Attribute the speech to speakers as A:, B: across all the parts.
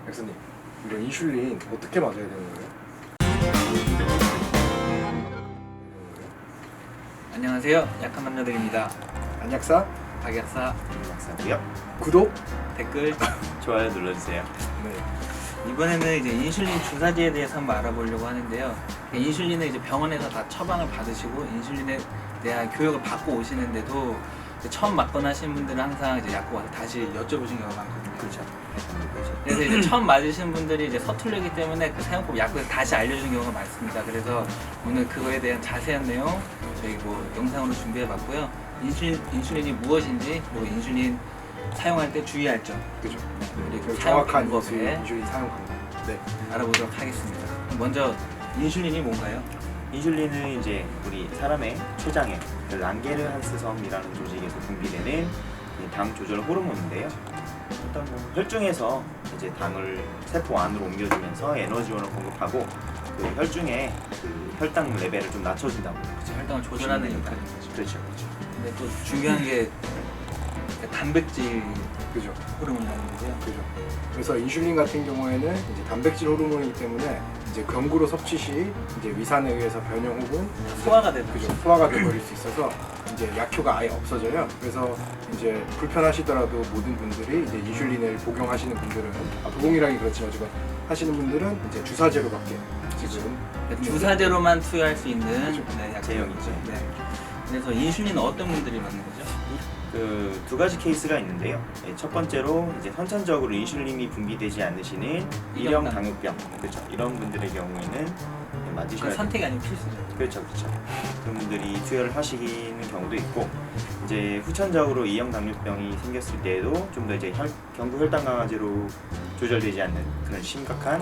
A: 백수님, 이거 인슐린 어떻게 맞아야 되는 거예요?
B: 안녕하세요. 약한 남자들입니다.
A: 안약사
B: 박약사
C: 박사고요.
A: 구독.
B: 댓글
C: 좋아요 눌러주세요.
A: 네.
B: 이번에는 이제 인슐린 주사제에 대해서 한번 알아보려고 하는데요. 인슐린을 이제 병원에서 다 처방을 받으시고 인슐린에 대한 교육을 받고 오시는데도 처음 맞거나 하시는 분들은 항상 이제 약국 와서 다시 여쭤보신 경우가 많거든요.
C: 그렇죠.
B: 그래서 이제 처음 맞으시는 분들이 이제 서툴르기 때문에 그 사용법 약국에서 다시 알려주는 경우가 많습니다. 그래서 오늘 그거에 대한 자세한 내용 저희 뭐 영상으로 준비해봤고요. 인슐린이 무엇인지 그리고 인슐린 사용할 때 주의할 점
A: 그죠.
B: 그리고
A: 그리고
B: 사용
A: 정확한
B: 방법에
A: 인슐린 사용 방법. 네.
B: 알아보도록 하겠습니다. 먼저 인슐린이 뭔가요?
C: 인슐린은 이제 우리 사람의 췌장에 그 랑게르한스섬이라는 조직에서 분비되는 이 당 조절 호르몬인데요. 일단 뭐 혈중에서 이제 당을 세포 안으로 옮겨주면서 에너지원을 공급하고 그 혈중의 그 혈당 레벨을 좀 낮춰준다고.
B: 그쵸, 혈당을 조절하는 역할인 거죠.
C: 그렇죠, 그렇죠.
B: 근데 또 중요한 게 단백질
A: 그죠.
B: 호르몬이라는 거고요.
A: 그죠. 그래서 인슐린 같은 경우에는 이제 단백질 호르몬이기 때문에 이제 경구로 섭취 시 이제 위산에 의해서 변형 혹은
B: 소화가 되는
A: 그죠. 소화가 돼버릴 수 있어서 이제 약효가 아예 없어져요. 그래서 이제 불편하시더라도 모든 분들이 이제 인슐린을 복용하시는 분들은 복용이라기 그렇지만 지금 하시는 분들은 이제 주사제로밖에 지금
B: 주사제로만 투여할 수 있는
A: 그렇죠.
B: 네,
C: 제형이죠.
B: 네. 그래서 인슐린은 어떤 분들이 맞는 거죠?
C: 그 두 가지 케이스가 있는데요. 첫 번째로 이제 선천적으로 인슐린이 분비되지 않으시는 일형 당뇨병, 그렇죠. 이런 분들의 경우에는 맞으셔야
B: 그건
C: 돼요.
B: 선택이 아니고 필수죠.
C: 그렇죠, 그렇죠. 그런 분들이 투여를 하시는 경우도 있고, 이제 후천적으로 이형 당뇨병이 생겼을 때에도 좀 더 이제 경구 혈당 강화제로 조절되지 않는 그런 심각한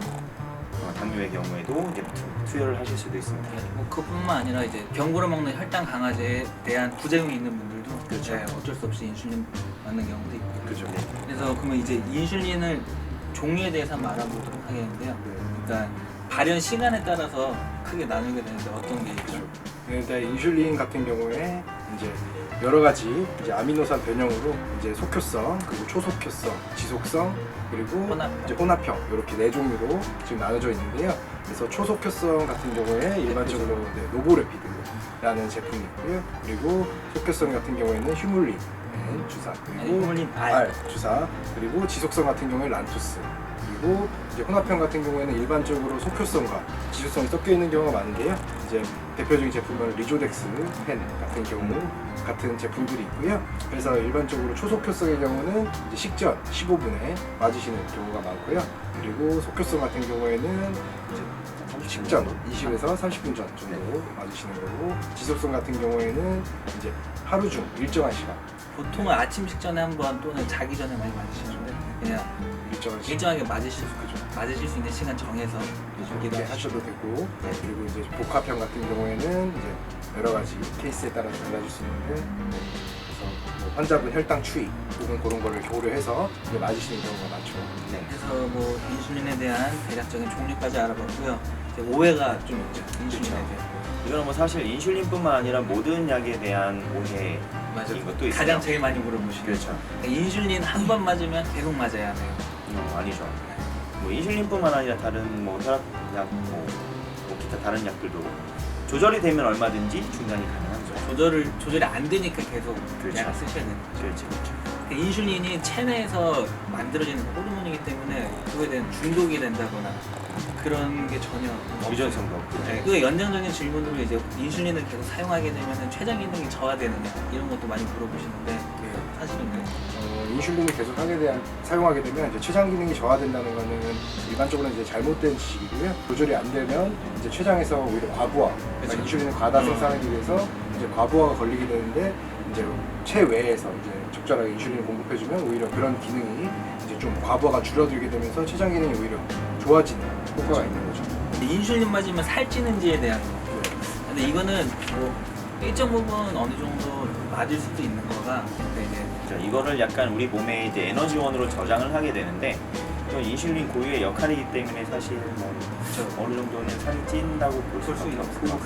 C: 당뇨의 경우에도 이제 투여를 하실 수도 있습니다.
B: 뭐 그뿐만 아니라 이제 경구로 먹는 혈당 강화제에 대한 부작용이 있는 분들도
C: 그렇죠.
B: 네, 어쩔 수 없이 인슐린 맞는 경우도 있고.
A: 그죠.
C: 네.
B: 그래서 그러면 이제 인슐린을 종류에 대해서 한번 알아보도록 하겠는데요.
A: 네.
B: 그러니까 발현 시간에 따라서 크게 나누게 되는데 어떤 게 있죠?
A: 그죠. 근데 인슐린 같은 경우에 이제 여러 가지 이제 아미노산 변형으로 이제 속효성, 그리고 초속효성, 지속성, 그리고
B: 혼합형.
A: 이제 혼합형 이렇게 네 종류로 지금 나눠져 있는데요. 그래서 초속효성 같은 경우에 일반적으로 네, 노보레피드라는 제품이 있고요. 그리고 속효성 같은 경우에는 휴물린 주사,
B: 아니,
A: 그리고
B: 휴물린
A: R 주사, 그리고 지속성 같은 경우에 란투스. 그리고 이제 혼합형 같은 경우에는 일반적으로 속효성과 지속성이 섞여 있는 경우가 많은데요. 이제 대표적인 제품은 리조덱스 펜 같은 경우 같은 제품들이 있고요. 그래서 일반적으로 초속효성의 경우는 이제 식전 15분에 맞으시는 경우가 많고요. 그리고 속효성 같은 경우에는 이제 식전 20에서 30분 전 정도 맞으시는 거고, 지속성 같은 경우에는 이제 하루 중 일정한 시간
B: 보통은 아침 식전에 한 번 또는 자기 전에 많이 맞으시는데 그냥
A: 일정한 시간
B: 일정하게 맞으실 수 있는 시간 정해서
A: 이렇게
B: 기도
A: 하셔도 되고, 그리고 이제 복합형 같은 경우에는 이제 여러 가지 케이스에 따라서 달라질 수 있는데, 그래서 뭐 환자분 혈당 추이 혹은 그런 거를 고려해서 이제 맞으시는 경우가 많죠.
C: 네.
B: 그래서 뭐 인슐린에 대한 대략적인 종류까지 알아봤고요. 이제 오해가 좀 있죠. 인슐린에
C: 그렇죠.
B: 대해.
C: 이거는 뭐 사실 인슐린뿐만 아니라 모든 약에 대한 오해
B: 맞아요.
C: 이것도 있어요.
B: 가장 제일 많이 물어보시는
C: 그렇죠.
B: 인슐린 한 번 맞으면 계속 맞아야 하네요.
C: 아니죠. 뭐 인슐린뿐만 아니라 다른 뭐 혈압약, 뭐 기타 다른 약들도 조절이 되면 얼마든지 중단이 가능한 거죠.
B: 조절이 안 되니까 계속
C: 그렇죠.
B: 약을 쓰셔야 되는 거죠.
C: 그렇죠, 그렇죠.
B: 인슐린이 체내에서 만들어지는 호르몬이기 때문에 그거에 대한 중독이 된다거나 그런 게 전혀
C: 유전성도 없고.
B: 네, 그 연장적인 질문으로 이제 인슐린을 계속 사용하게 되면 췌장 기능이 저하되느냐 이런 것도 많이 물어보시는데 사실은요.
A: 인슐린을 계속 사용하게 되면 이제 췌장 기능이 저하된다는 거는 일반적으로 이제 잘못된 지식이고요. 조절이 안 되면 이제 췌장에서 오히려 과부하, 그러니까 인슐린을 과다 생산하기 위해서 이제 과부하가 걸리게 되는데, 이제 체외에서 이제 적절하게 인슐린을 공급해주면 오히려 그런 기능이 이제 좀 과부하가 줄어들게 되면서 췌장 기능이 오히려 좋아지는 효과가 있는 거죠.
B: 인슐린 맞으면 살찌는지에 대한 거. 근데 이거는 뭐 일정 부분 어느 정도 맞을 수도 있는 거가 근데 이제
C: 그렇죠. 이거를 약간 우리 몸에 이제 에너지원으로 저장을 하게 되는데, 또 인슐린 고유의 역할이기 때문에 사실 뭐 어느 정도는 살이 찐다고 볼
B: 수
C: 수밖에
B: 없고.
C: 없어요.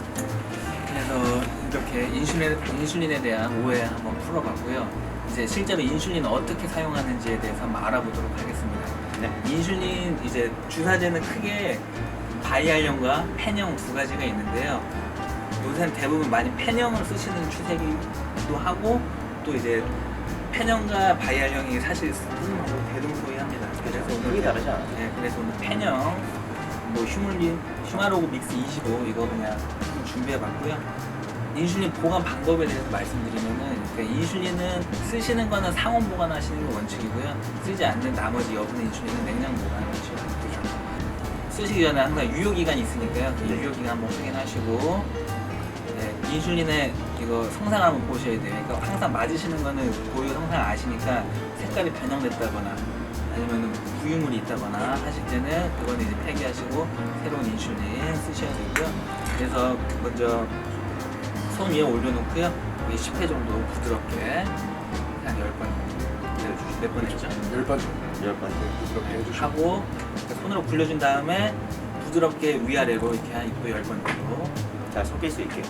B: 그래서 이렇게 인슐린에 대한 오해 한번 풀어봤고요. 이제 실제로 인슐린을 어떻게 사용하는지에 대해서 한번 알아보도록 하겠습니다.
C: 네.
B: 인슐린 이제 주사제는 크게 바이알형과 펜형 두 가지가 있는데요. 요새는 대부분 많이 펜형을 쓰시는 추세이기도 하고 또 이제 펜형과 바이알형이 사실 쓰는 방법이 대동소이합니다. 그래서
C: 크게
B: 오늘
C: 다르지 않아요.
B: 네, 그래서 오늘 펜형, 뭐 휴마로그 믹스 25 이거 그냥 좀 준비해봤고요. 인슐린 보관 방법에 대해서 말씀드리면은 인슐린은 쓰시는 거는 상온 보관하시는 게 원칙이고요. 쓰지 않는 나머지 여분의 인슐린은 냉장 보관하시죠. 쓰시기 전에 항상 유효 기간이 있으니까요. 그 유효 기간 한번 확인하시고 네, 인슐린의 이거 성상을 한번 보셔야 돼요. 그러니까 항상 맞으시는 거는 고유 성상 아시니까 색깔이 변형됐다거나 아니면 부유물이 있다거나 하실 때는 그거는 이제 폐기하시고 새로운 인슐린 쓰셔야 되고요. 그래서 먼저 손 위에 올려놓고요. 10회 정도 부드럽게 한 10번 내려주시고 몇 번 했죠?
A: 10번 정도
C: 10번.
A: 부드럽게 해주시고
B: 하고 손으로 굴려준 다음에 부드럽게 위아래로 이렇게 한 또 10번 정도.
C: 잘 섞일 수 있게.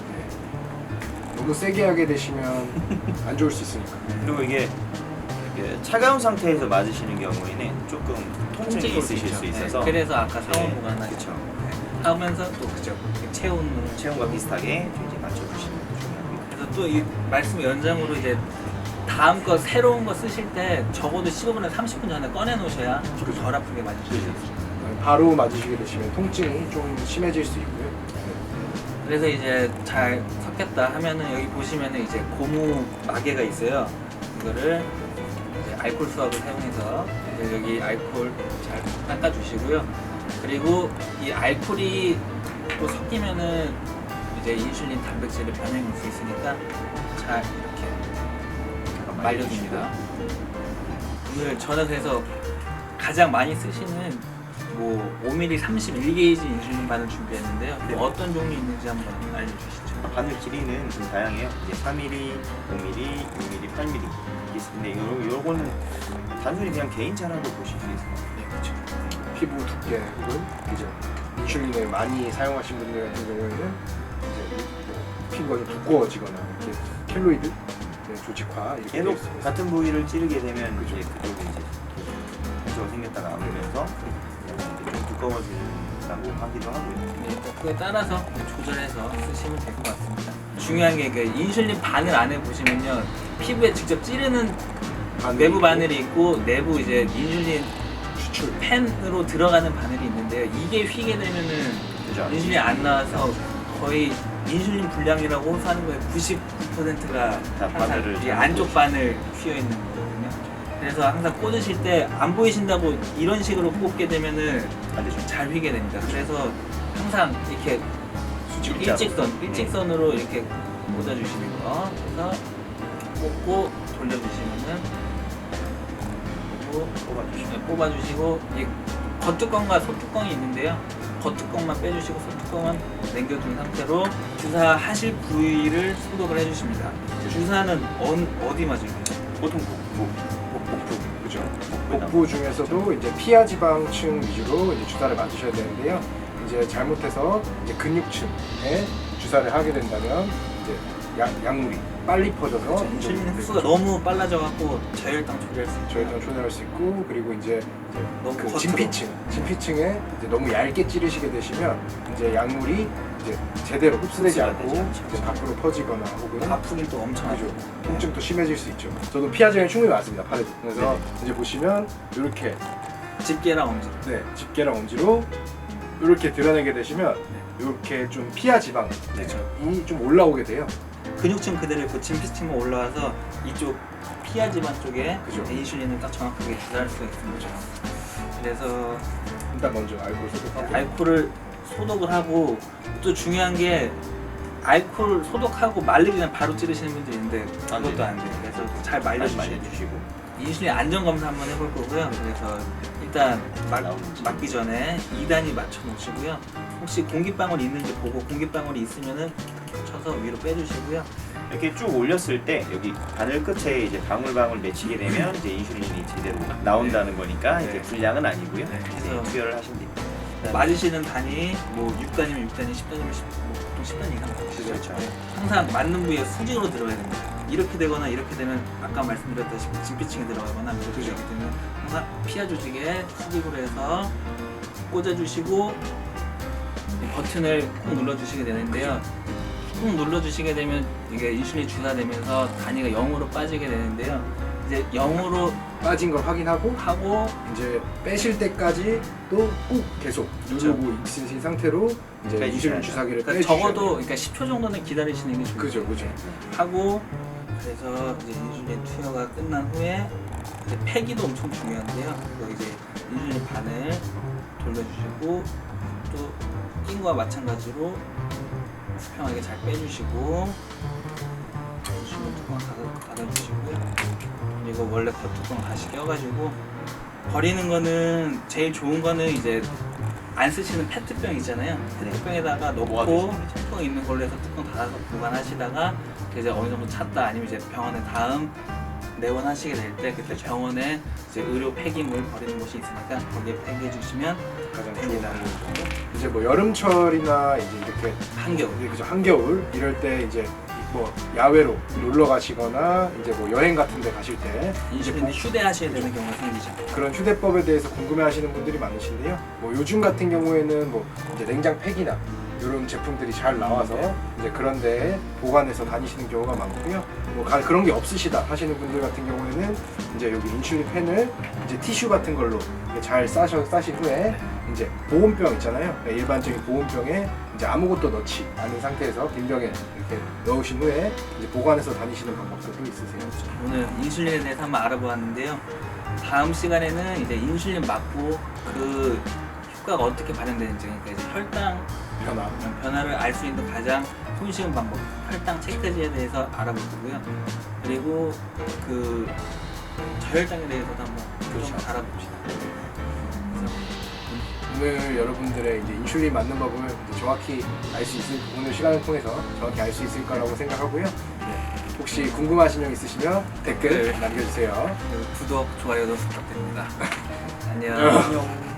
A: 너무 세게 하게 되시면 안 좋을 수 있으니까.
C: 그리고 이게 차가운 상태에서 맞으시는 경우에는 조금 통증이
B: 올
C: 있으실
B: 있죠.
C: 수 있어서
B: 네, 그래서 아까 상온
C: 네,
B: 보관하죠.
C: 그쵸.
B: 하면서 또 그죠.
C: 체온과 비슷하게 좀 이제 맞춰주시는 게 중요합니다.
B: 그래서 또 이 말씀 연장으로 이제 다음 거 새로운 거 쓰실 때 적어도 15분에서 30분 전에 꺼내 놓으셔야 좀 덜 아프게 맞으실 수 있습니다.
A: 바로 맞으시게 되시면 통증이 좀 심해질 수 있고요.
B: 그래서 이제 잘 섞였다 하면은 여기 보시면은 이제 고무 마개가 있어요. 이거를 이제 알코올 수압을 사용해서 이제 여기 알코올 잘 닦아주시고요. 그리고 이 알코올이 또 섞이면은 이제 인슐린 단백질을 변형할 수 있으니까 잘 이렇게 말려줍니다. 오늘 전화해서 가장 많이 쓰시는 뭐 5mm 31게이지 인슐린만을 준비했는데요.
C: 네.
B: 어떤 종류 있는지 한번 알려주시죠.
C: 바늘 길이는 좀 다양해요. 이제 4mm, 5mm, 6mm, 8mm 이게 있는데 요거는 단순히 그냥 개인차라고 보실 수 있어요.
A: 네, 그렇죠. 피부 두께 혹은 그죠. 인슐린을 많이 사용하신 분들 같은 경우에는 이제 피부가 좀 두꺼워지거나 이렇게 켈로이드 조직화 이렇게 되어
C: 계속
A: 있습니다.
C: 같은 부위를 찌르게 되면
A: 그죠.
C: 이제 그쪽이 이제 상처가 생겼다가 아물면서 좀 두꺼워진다고 하기도 하고요.
B: 네, 그에 따라서 조절해서 쓰시면 될 것 같습니다. 중요한 게 그 인슐린 바늘 안에 보시면요, 피부에 직접 찌르는 외부 바늘이 있고 내부 이제 인슐린
A: 추출.
B: 펜으로 들어가는 바늘이 있는데요. 이게 휘게 되면은
C: 그죠?
B: 인슐린이 안 나와서 거의 인슐린 불량이라고 호소하는 거에 99%가
C: 다 바늘을
B: 이
C: 잘못
B: 안쪽
C: 꽂으시죠.
B: 바늘 휘어 있는 거거든요. 그래서 항상 꽂으실 때 안 보이신다고 이런 식으로 꽂게 되면은
C: 안 되죠.
B: 잘 휘게 됩니다. 그래서 항상 이렇게
C: 일자로.
B: 일직선으로 이렇게 꽂아주시는 거. 그래서 꽂고 돌려주시면은 그리고
C: 뽑아주시면
B: 뽑아주시고 이 겉뚜껑과 소뚜껑이 있는데요. 겉뚜껑만 빼주시고 소뚜껑은 남겨둔 상태로 주사하실 부위를 소독을 해주십니다. 주사는 어디 맞을까요?
C: 보통 복부,
A: 복부, 그죠.
C: 복부에
A: 복부 중에서도 이제 피하 지방층 위주로 이제 주사를 맞으셔야 되는데요. 이제 잘못해서 이제 근육층에 주사를 하게 된다면 이제 약물이 빨리 퍼져서
B: 인슐린 흡수가 너무 빨라져갖고 저혈당 초래할 수 있죠.
A: 저혈당 초래할 수 있고, 그리고 이제
B: 너무
A: 그
B: 겉으로.
A: 진피층에 이제 너무 얇게 찌르시게 되시면 이제 약물이 이제 제대로 흡수되지
C: 흡수가
A: 않고
C: 되지 않죠.
A: 이제 밖으로 퍼지거나 혹은
B: 아프긴 또 엄청
A: 그죠.
B: 하죠.
A: 통증도 심해질 수 있죠. 저도 피하제는 충분히 맞습니다. 팔에도. 그래서 이제 보시면 이렇게
B: 집게랑 엄지.
A: 집게랑 엄지로 이렇게 드러내게 되시면 이렇게 좀 피하 지방이 좀 올라오게 돼요.
B: 근육층 그대로 있고 진피층만 올라와서 이쪽 피하 지방 쪽에
A: 그죠.
B: 인슐린을 딱 정확하게 주사할 수가 있습니다. 그래서
A: 일단 먼저 알코올 소독하고
B: 알코올을 소독을 하고 또 중요한 게 알코올 소독하고 말리기 전에 바로 찌르시는 분들이 있는데 그것도 안 돼요. 그래서 잘 말려주시고
C: 말려주시고
B: 인슐린 안전 검사 한번 해볼 거고요. 그래서 일단
C: 나오는지.
B: 맞기 전에 2단위 맞춰 놓으시고요. 혹시 공기방울이 있는지 보고 공기방울이 있으면은 쳐서 위로 빼주시고요.
C: 이렇게 쭉 올렸을 때 여기 바늘 끝에 이제 방울방울 맺히게 되면 이제 인슐린이 제대로 나온다는 거니까
B: 네.
C: 이제 불량은 아니고요.
B: 네,
C: 이제
B: 그래서
C: 투여를 하시면 됩니다.
B: 맞으시는 단위 뭐 6단이면 6단위, 10단이면 10, 뭐 보통 10단위 이상 맞으시죠.
C: 그렇죠.
B: 네. 항상 맞는 부위에 수직으로 들어가야 됩니다. 이렇게 되거나 이렇게 되면 아까 말씀드렸다시피 진피층에 들어가거나 이렇게
A: 그죠.
B: 되기 때문에 항상 피하 조직에 수직으로 해서 꽂아주시고 이 버튼을 꾹 눌러주시게 되는데요. 꾹 눌러주시게 되면 이게 인슐린이 주사되면서 단위가 0으로 빠지게 되는데요. 이제 0으로
A: 빠진 걸 확인하고
B: 하고
A: 이제 빼실 때까지 또 꾹 계속
B: 그렇죠.
A: 누르고 있으신 상태로 이제
C: 빼주셔야
A: 인슐린
C: 돼요.
A: 주사기를
B: 그러니까
A: 빼주셔야
B: 적어도
A: 돼요.
B: 그러니까 10초 정도는 기다리시는 게 좋아요.
A: 그죠, 그죠.
B: 하고 그래서 이제 인슐린 투여가 끝난 후에 이제 폐기도 엄청 중요한데요. 그래서 이제 인슐린 반을 돌려주시고 또 낀과 마찬가지로 수평하게 잘 빼주시고 인슐린 뚜껑 닫아주시고요. 그리고 원래 겉뚜껑 다시 껴가지고 버리는 거는 제일 좋은 거는 이제 안 쓰시는 페트병 있잖아요. 페트병에다가 넣고
C: 모아두시는 거죠.
B: 뚜껑 있는 걸로 해서 뚜껑 닫아서 보관하시다가 이제 어느 정도 찼다 아니면 이제 병원에 다음 내원하시게 될 때 그때 병원에 이제 의료 폐기물 버리는 곳이 있으니까 거기에 폐기해 주시면
A: 가장
B: 됩니다.
A: 좋은 이제 뭐 여름철이나 이제 이렇게
B: 한겨울.
A: 그죠, 한겨울 이럴 때 이제 뭐 야외로 놀러 가시거나 이제 뭐 여행 같은 데 가실 때 이제
B: 인슐린 휴대하셔야 되는 경우가 생기죠.
A: 그런 휴대법에 대해서 궁금해하시는 분들이 많으신데요. 뭐 요즘 같은 경우에는 뭐 이제 냉장 팩이나 이런 제품들이 잘 나와서 이제 그런 데에 보관해서 다니시는 경우가 많고요. 뭐 그런 게 없으시다 하시는 분들 같은 경우에는 이제 여기 인슐린 펜을 이제 티슈 같은 걸로 이렇게 잘 싸신 후에 이제 보온병 있잖아요. 일반적인 보온병에 이제 아무것도 넣지 않은 상태에서 빈 병에 이렇게 넣으신 후에 이제 보관해서 다니시는 방법도 있으세요.
B: 오늘 인슐린에 대해서 한번 알아보았는데요. 다음 시간에는 이제 인슐린 맞고 그 효과가 어떻게 발현되는지, 그러니까 이제 혈당 변화를 알 수 있는 가장 손쉬운 방법, 혈당 체크제에 대해서 알아볼 거고요. 그리고 그 저혈당에 대해서도 한번
A: 그렇죠.
B: 좀 알아봅시다. 그래서
A: 오늘 여러분들의 이제 인슐린 맞는 법을 이제 정확히 알 수 있을 오늘 시간을 통해서 정확히 알 수 있을 거라고 생각하고요. 혹시 궁금하신 점 있으시면 댓글
B: 네.
A: 남겨주세요.
B: 구독, 좋아요도 부탁드립니다. 안녕.
C: 안녕.